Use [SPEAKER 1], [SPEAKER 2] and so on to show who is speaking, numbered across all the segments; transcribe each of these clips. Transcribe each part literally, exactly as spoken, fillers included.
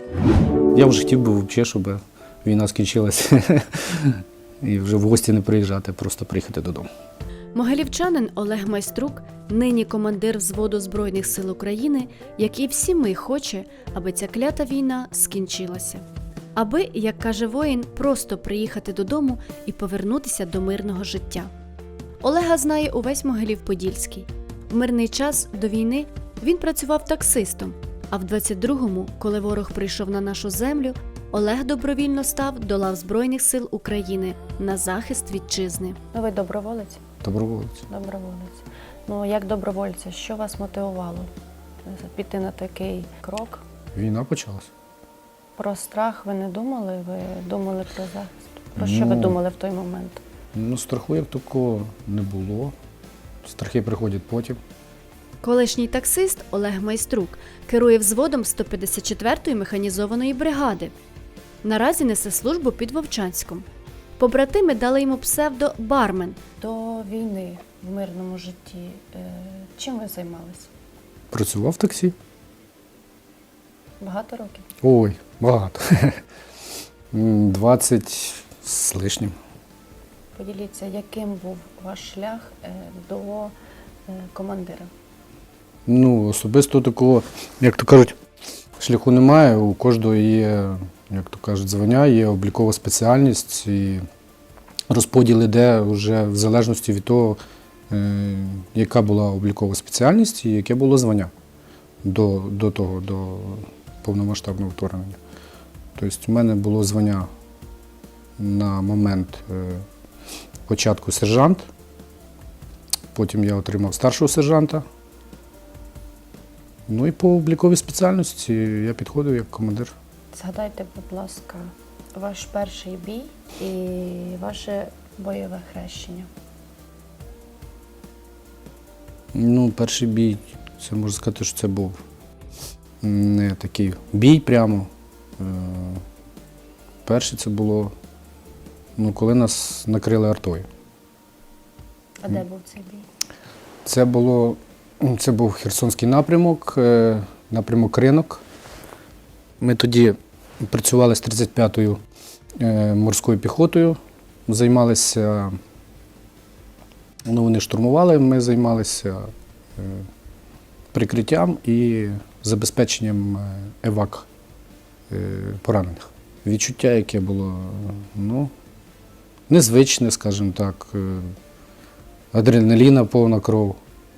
[SPEAKER 1] Я вже хотів би взагалі, щоб війна скінчилася і вже в гості не приїжджати, просто приїхати додому.
[SPEAKER 2] Могилівчанин Олег Майструк нині командир взводу Збройних сил України, як і всі ми хоче, аби ця клята війна скінчилася. Аби, як каже воїн, просто приїхати додому і повернутися до мирного життя. Олега знає увесь Могилів-Подільський. В мирний час до війни він працював таксистом, а в двадцять другому, коли ворог прийшов на нашу землю, Олег добровільно став до лав Збройних сил України на захист вітчизни.
[SPEAKER 3] Ну, ви доброволець?
[SPEAKER 1] Доброволець.
[SPEAKER 3] Доброволець. Ну, як добровольця, що вас мотивувало піти на такий крок?
[SPEAKER 1] Війна почалась.
[SPEAKER 3] Про страх ви не думали? Ви думали про захист? Про що ви
[SPEAKER 1] Ну,
[SPEAKER 3] думали в той момент?
[SPEAKER 1] Ну, страху як такого не було. Страхи приходять потім.
[SPEAKER 2] Колишній таксист Олег Майструк керує взводом сто п'ятдесят четвертої механізованої бригади. Наразі несе службу під Вовчанськом. Побратими дали йому псевдо «Бармен».
[SPEAKER 3] До війни в мирному житті е, чим ви займалися?
[SPEAKER 1] Працював в таксі.
[SPEAKER 3] Багато років?
[SPEAKER 1] Ой, багато. двадцять з лишнім.
[SPEAKER 3] Поділіться, яким був ваш шлях е, до е, командира?
[SPEAKER 1] Ну, особисто такого, як то кажуть, шляху немає. У кожного є, як то кажуть, звання, є облікова спеціальність і розподіл іде вже в залежності від того, е, яка була облікова спеціальність і яке було звання до, до того, до повномасштабного вторгнення. Тобто в мене було звання на момент е, початку сержант, потім я отримав старшого сержанта. Ну і по обліковій спеціальності я підходив як командир.
[SPEAKER 3] Згадайте, будь ласка, ваш перший бій і ваше бойове хрещення.
[SPEAKER 1] Ну, перший бій, це можна сказати, що це був не такий бій прямо. Е, Перший це було, ну, коли нас накрили артою.
[SPEAKER 3] А де був цей бій?
[SPEAKER 1] Це було, це був Херсонський напрямок, е, напрямок Ринок. Ми тоді працювали з тридцять п'ятою е, морською піхотою, займалися, ну, вони штурмували, ми займалися е, прикриттям і забезпеченням евак е, поранених. Відчуття, яке було, ну, незвичне, скажімо так, е, адреналіна, повна кров.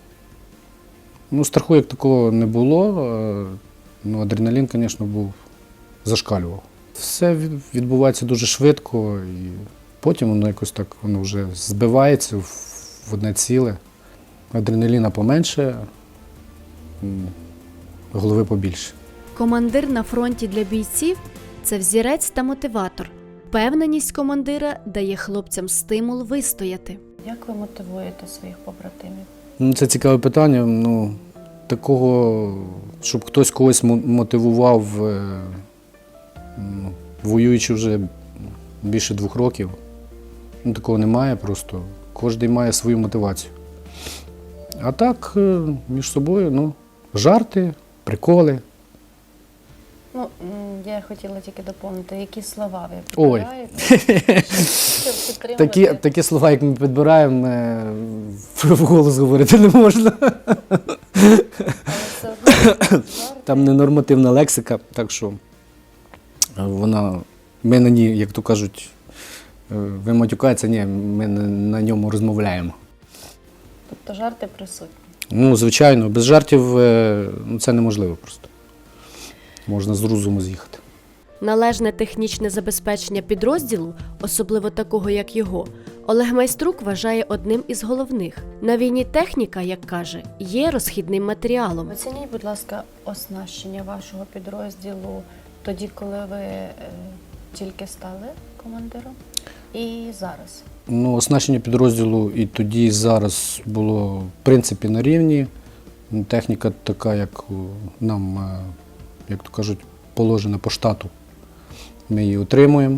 [SPEAKER 1] Ну, страху як такого не було, е, ну, адреналін, звісно, був, зашкалював. Все відбувається дуже швидко і потім воно якось так, воно вже збивається в одне ціле. Адреналіна поменше, м, голови побільше.
[SPEAKER 2] Командир на фронті для бійців – це взірець та мотиватор. Впевненість командира дає хлопцям стимул вистояти.
[SPEAKER 3] Як ви мотивуєте своїх побратимів?
[SPEAKER 1] Ну, це цікаве питання. Ну, такого, щоб хтось когось мо- мотивував, е, ну, воюючи вже більше двох років, ну, такого немає просто. Кожен має свою мотивацію. А так, е, між собою, ну, жарти, приколи.
[SPEAKER 3] Ну, м, я хотіла тільки доповнити, які слова ви
[SPEAKER 1] Ой.
[SPEAKER 3] підбираєте, щоб підтримати.
[SPEAKER 1] Такі, такі слова, як ми підбираємо, е, в голос говорити не можна.
[SPEAKER 3] Але все одно жарти.
[SPEAKER 1] Там ненормативна лексика, так що вона, ми на ній, як то кажуть, е, ви матюкаєтеся, ні, ми на, на ньому розмовляємо.
[SPEAKER 3] Тобто жарти присутні.
[SPEAKER 1] Ну, звичайно, без жартів е, ну, це неможливо просто. Можна з розуму з'їхати.
[SPEAKER 2] Належне технічне забезпечення підрозділу, особливо такого, як його, Олег Майструк вважає одним із головних. На війні техніка, як каже, є розхідним матеріалом.
[SPEAKER 3] Оцініть, будь ласка, оснащення вашого підрозділу тоді, коли ви е, тільки стали командиром, і зараз.
[SPEAKER 1] Ну, оснащення підрозділу і тоді, і зараз було, в принципі, на рівні. Техніка така, як нам, е, як то кажуть, положена по штату. Ми її отримуємо.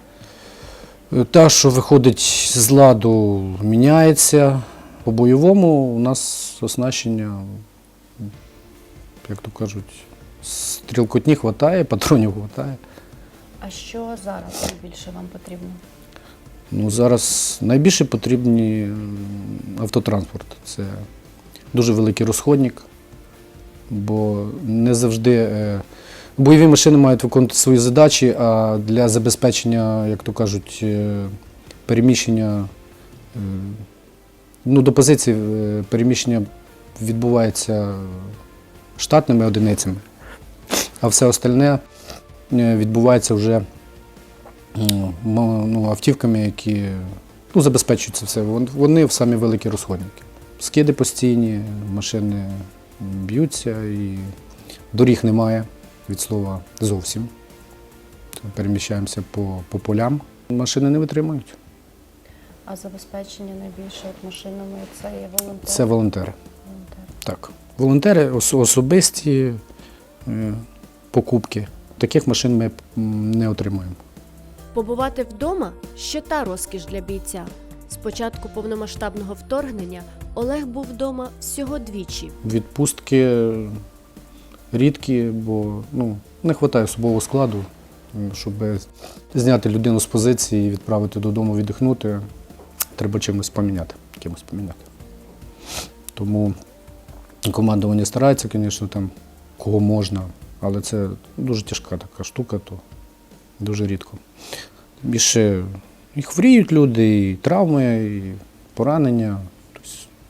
[SPEAKER 1] Та, що виходить з ладу, міняється. По бойовому у нас оснащення, як то кажуть, Стрілкотні вистачає, патронів вистачає.
[SPEAKER 3] А що зараз найбільше вам потрібно?
[SPEAKER 1] Ну, зараз найбільше потрібні м, автотранспорт. Це дуже великий розходник, бо не завжди е, бойові машини мають виконувати свої задачі, а для забезпечення, як то кажуть, е, переміщення е, ну, до позиції е, переміщення відбувається штатними одиницями, а все остальне е, відбувається вже ну, м- ну, автівками, які ну, забезпечують це все. Вон- Вони самі великі розходники. Скиди постійні, машини б'ються і доріг немає від слова зовсім. То переміщаємося по, по полям. Машини не витримують.
[SPEAKER 3] А забезпечення найбільше от машинами це є волонтери?
[SPEAKER 1] Це волонтери.
[SPEAKER 3] Волонтери.
[SPEAKER 1] Так. Волонтери ос- особисті е, покупки. Таких машин ми м, не отримуємо.
[SPEAKER 2] Побувати вдома ще та розкіш для бійця. З початку повномасштабного вторгнення Олег був вдома всього двічі.
[SPEAKER 1] Відпустки рідкі, бо ну, не вистачає особового складу, щоб зняти людину з позиції і відправити додому віддихнути. Треба чимось поміняти. Кимось поміняти. Тому командування старається, звісно, там кого можна, але це дуже тяжка така штука, то дуже рідко. Більше і хворіють люди, і травми, і поранення. Тобто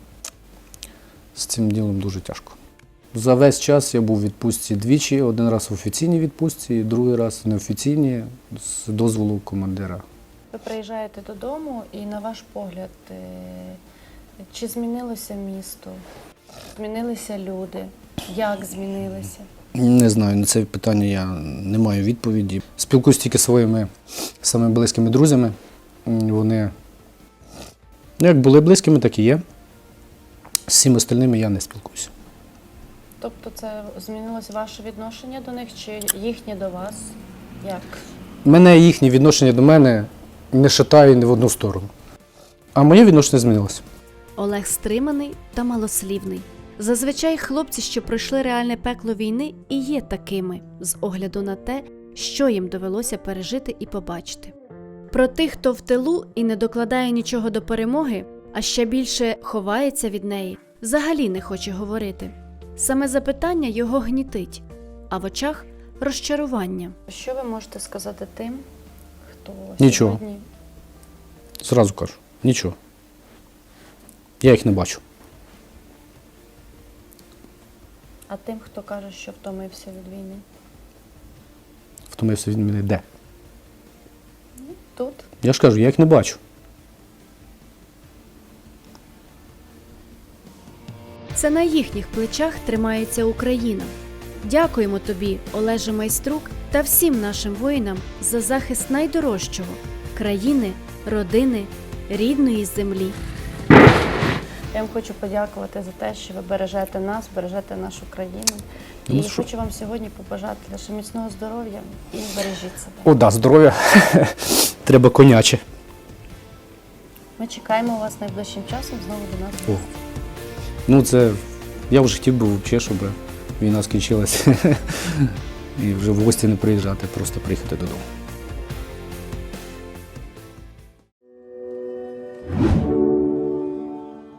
[SPEAKER 1] з цим ділом дуже тяжко. За весь час я був у відпустці двічі, один раз в офіційній відпустці, другий раз в неофіційній з дозволу командира.
[SPEAKER 3] Ви приїжджаєте додому і, на ваш погляд, е, чи змінилося місто? Змінилися люди? Як змінилися?
[SPEAKER 1] Не знаю, на це питання я не маю відповіді. Спілкуюсь тільки зі своїми самими близькими друзями. М, Вони ну, як були близькими, так і є. З всіма остальними я не спілкуюся.
[SPEAKER 3] Тобто це змінилося ваше відношення до них чи їхнє до вас? Як?
[SPEAKER 1] Мене їхнє відношення до мене не шатає ні в одну сторону. А моє відношення змінилося.
[SPEAKER 2] Олег стриманий та малослівний. Зазвичай хлопці, що пройшли реальне пекло війни, і є такими, з огляду на те, що їм довелося пережити і побачити. Про тих, хто в тилу і не докладає нічого до перемоги, а ще більше ховається від неї, взагалі не хоче говорити. Саме запитання його гнітить, а в очах – розчарування.
[SPEAKER 3] Що ви можете сказати тим, хто
[SPEAKER 1] Нічого.
[SPEAKER 3] сьогодні
[SPEAKER 1] Зразу кажу, нічого. Я їх не бачу.
[SPEAKER 3] а тим, хто каже, що втомився від війни?
[SPEAKER 1] Втомився від мене де?
[SPEAKER 3] Тут?
[SPEAKER 1] Я ж кажу, я їх не бачу.
[SPEAKER 2] Це на їхніх плечах тримається Україна. Дякуємо тобі, Олеже Майструк, та всім нашим воїнам за захист найдорожчого – країни, родини, рідної землі.
[SPEAKER 3] Я вам хочу подякувати за те, що ви бережете нас, бережете нашу країну.
[SPEAKER 1] Ну,
[SPEAKER 3] І
[SPEAKER 1] що?
[SPEAKER 3] хочу вам сьогодні побажати лише міцного здоров'я і бережіть себе.
[SPEAKER 1] О, да, здоров'я. Треба коняче.
[SPEAKER 3] Ми чекаємо вас найближчим часом знову до нас.
[SPEAKER 1] О. Ну, це я вже хотів би взагалі, щоб війна скінчилася і вже в гості не приїжджати, просто приїхати додому.